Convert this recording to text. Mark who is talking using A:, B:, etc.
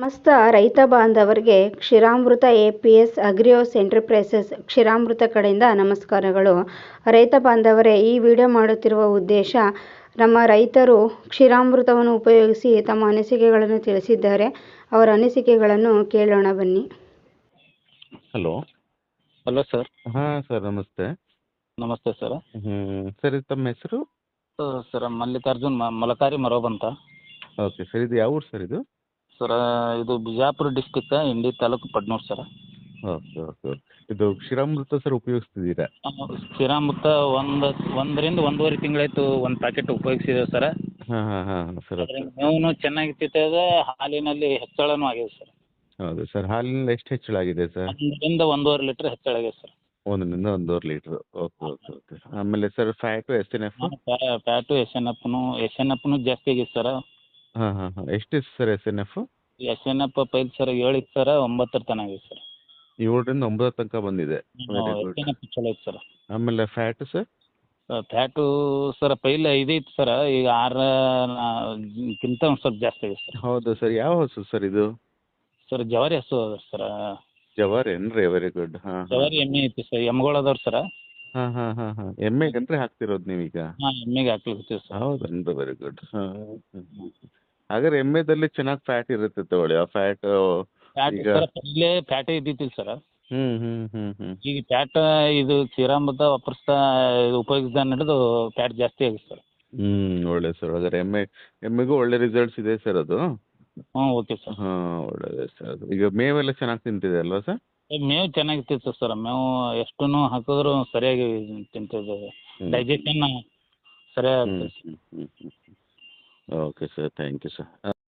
A: ಸಮಸ್ತ ರೈತ ಬಾಂಧವರಿಗೆ ಕ್ಷೀರಾಮೃತ ಎಪಿಎಸ್ ಅಗ್ರಿಯೋಸ್ ಎಂಟರ್ಪ್ರೈಸಸ್ ಕ್ಷೀರಾಮೃತ ಕಡೆಯಿಂದ ನಮಸ್ಕಾರಗಳು. ರೈತ ಬಾಂಧವರೇ, ಈ ವಿಡಿಯೋ ಮಾಡುತ್ತಿರುವ ಉದ್ದೇಶ, ನಮ್ಮ ರೈತರು ಕ್ಷೀರಾಮೃತವನ್ನು ಉಪಯೋಗಿಸಿ ತಮ್ಮ ಅನಿಸಿಕೆಗಳನ್ನು ತಿಳಿಸಿದ್ದಾರೆ. ಅವರ ಅನಿಸಿಕೆಗಳನ್ನು ಕೇಳೋಣ ಬನ್ನಿ.
B: Hello
C: sir.
B: ಹಾಂ ಸರ್, ನಮಸ್ತೆ.
C: ನಮಸ್ತೆ ಸರ್.
B: ಸರ್, ಇದು ತಮ್ಮ ಹೆಸರು?
C: ಸರ್ ಮಲ್ಲಿಕಾರ್ಜುನ್ ಮಲಕಾರಿ ಮರೋಬ್ ಅಂತ.
B: ಓಕೆ ಸರ್, ಇದು ಯಾವ ಊರು ಸರ್ ಇದು?
C: ಸರ್ ಇದು Bijapur district, Indi taluk, Padnur sir.
B: Okay okay okay. ಇದು ಕ್ಷೀರಾಮೃತ ಸರ್ ಉಪಯೋಗಿಸ್ತಿದ್ದೀರಾ?
C: ಕ್ಷೀರಾಮೃತ ಒಂದರಿಂದ ಒಂದೂವರೆ ತಿಂಗಳಾಯ್ತು ಒಂದು ಪ್ಯಾಕೆಟ್ ಉಪಯೋಗಿಸಿದ್ದೇವೆ ಸರ್.
B: ಹಾಂ ಹಾಂ ಹಾಂ ಸರ್.
C: ಮೇವು ಚೆನ್ನಾಗಿರ್ತದೆ, ಹಾಲಿನಲ್ಲಿ ಹೆಚ್ಚಳನೂ ಆಗಿದೆ ಸರ್.
B: ಹೌದು ಸರ್, ಹಾಲಿನಲ್ಲಿ ಎಷ್ಟು ಹೆಚ್ಚಳ ಆಗಿದೆ ಸರ್?
C: 1ರಿಂದ 1.5 ಲೀಟ್ರ್ ಹೆಚ್ಚಳ ಆಗಿದೆ ಸರ್.
B: 1ರಿಂದ 1.5 ಲೀಟ್ರ್. Okay okay okay. ಆಮೇಲೆ sir, fat, S N F?
C: Fat S N ಎಫ್ನು ಜಾಸ್ತಿ ಆಗಿದೆ ಸರ್.
B: ಹಾಂ ಹಾಂ ಹಾಂ. ಎಷ್ಟಿದೆ sir S N F?
C: S N F ಪೈಲ್ ಸರ್ 7 ಇತ್ತು ಸರ್, 9 ತನಕ ಆಗಿದೆ ಸರ್.
B: 7ರಿಂದ 9 ತನಕ ಬಂದಿದೆ. Very
C: S
B: good.
C: N F ಚಲೋ ಐತೆ ಸರ್.
B: ಆಮೇಲೆ ಫ್ಯಾಟು ಸರ್?
C: ಫ್ಯಾಟು ಸರ್ ಪೈಲ್ 5 ಇತ್ತು ಸರ್, ಈಗ 6ಕ್ಕಿಂತ ಒಂದು ಸ್ವಲ್ಪ ಜಾಸ್ತಿ ಆಗಿದೆ ಸರ್.
B: ಹೌದು ಸರ್. ಯಾವ ಹಸು ಸರ್ ಇದು?
C: ಸರ್ ಜವಾರಿ ಹಸು ಅದ ಸರ್.
B: ಜವಾರಿ ಏನ್ರಿ? Very good. ಹಾಂ
C: ಜವಾರಿ ಎಮ್ಮೆ ಐತಿ ಸರ್, ಎಮ್ಗಳು ಅದಾವ್ರಿ ಸರ್.
B: ಹಾಂ ಹಾಂ ಹಾಂ ಹಾಂ. ಎಮ್ಮೆಗಂದ್ರೆ ಹಾಕ್ತಿರೋದು ನೀವೀಗ?
C: ಹಾಂ, ಎಮ್ಮೆಗೆ ಹಾಕ್ಲಿಕ್ಕೆ ಸರ್.
B: ಹೌದನ್ರಿ? Very good. ಹಾಂ. ಹಾಗಾದ್ರೆ ಎಮ್ಮೆದಲ್ಲಿ ಚೆನ್ನಾಗಿ ಫ್ಯಾಟ್ ಇರುತ್ತೆ ತಗೊಳ್ಳಿ. ಆ ಫ್ಯಾಟ್
C: ಫ್ಯಾಟ್
B: ಈಗ
C: ಸರ್ ಪೈಲೆ ಫ್ಯಾಟೇ ಇದ್ದಿತ್ತಿಲ್ಲ ಸರ್.
B: ಹ್ಮ್.
C: ಈಗ ಫ್ಯಾಟ್ ಇದು ಕ್ಷೀರಾಮೃತ ಉಪಯೋಗಿಸಿದ ನಡೆದು ಫ್ಯಾಟ್ ಜಾಸ್ತಿ ಆಗಿದೆ ಸರ್.
B: ಒಳ್ಳೆ ಸರ್. ಹಾಗಾದ್ರೆ ಎಮ್ಮೆಗೂ ಒಳ್ಳೆ ರಿಸಲ್ಟ್ಸ್ ಇದೆ ಸರ್ ಅದು?
C: ಹ್ಞೂ, ಓಕೆ ಸರ್.
B: ಹಾಂ, ಒಳ್ಳೆಯದೇ ಸರ್. ಅದು ಈಗ ಮೇವೆಲ್ಲ ಚೆನ್ನಾಗಿ ತಿಂತಿದೆ ಅಲ್ವಾ ಸರ್?
C: ಮೇವು ಚೆನ್ನಾಗಿರ್ತೈತೆ ಸರ್. ಮೇವು ಎಷ್ಟು ಹಾಕಿದ್ರು ಸರಿಯಾಗಿ ತಿಂತಿದ್ದೇವೆ. ಡೈಜೆಷನ್ ಸರಿಯಾಗಿ ಆಗ್ತದೆ sir.
B: Okay sir, thank you sir.